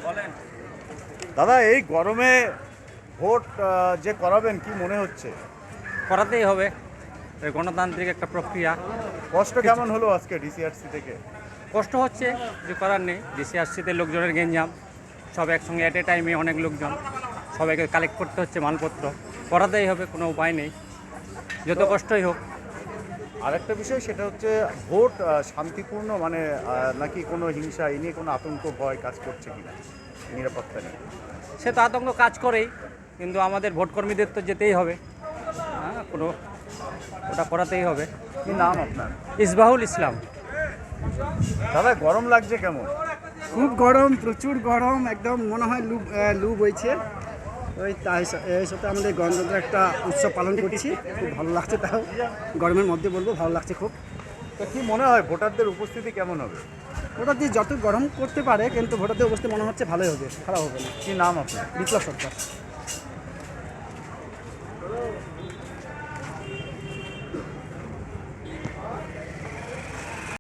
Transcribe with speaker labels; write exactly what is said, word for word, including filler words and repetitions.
Speaker 1: দাদা, এই গরমে ভোট আহ, যে করাবেন কি মনে হচ্ছে?
Speaker 2: করাতেই হবে, এই গণতান্ত্রিক একটা প্রক্রিয়া।
Speaker 1: কষ্ট কেমন হলো আজকে ডিসিআরসি থেকে?
Speaker 2: কষ্ট হচ্ছে, কিছু করার নেই। ডিসিআরসিতে লোকজনের গেঞ্জাম, সব একসঙ্গে অ্যাট এ টাইমে অনেক লোকজন, সবাইকে কালেক্ট করতে হচ্ছে মালপত্র। করাতেই হবে, কোনো উপায় নেই, যত কষ্টই হোক।
Speaker 1: আরেকটা বিষয়, সেটা হচ্ছে ভোট আহ, শান্তিপূর্ণ, মানে আহ, নাকি কোনো হিংসা, এই নিয়ে কোনো আতঙ্ক ভয় কাজ করছে কিনা নিরাপত্তা নিয়ে?
Speaker 2: সে তো আতঙ্ক কাজ করেই, কিন্তু আমাদের ভোটকর্মীদের তো যেতেই হবে। হ্যাঁ, কোনো ওটা করাতেই হবে।
Speaker 1: কি নাম আপনার?
Speaker 2: ইসবাহুল ইসলাম।
Speaker 1: দাদা, গরম লাগছে কেমন?
Speaker 3: খুব গরম, প্রচুর গরম, একদম মনে হয় লু আহ, লু বইছে। ওই তাই স- এই সাথে আমাদের গণতন্ত্রের একটা উৎসব পালন করছি, খুব ভালো লাগছে। তাও গরমের মধ্যে বলবো ভালো লাগছে খুব।
Speaker 1: তো কি মনে হয় ভোটারদের উপস্থিতি কেমন হবে?
Speaker 3: ওটা দিয়ে যত গরম করতে পারে, কিন্তু ভোটারদের অবস্থা মনে হচ্ছে ভালোই হবে, খারাপ হবে না।
Speaker 1: কি নাম আপনার?
Speaker 3: বিপ্লব সরকার।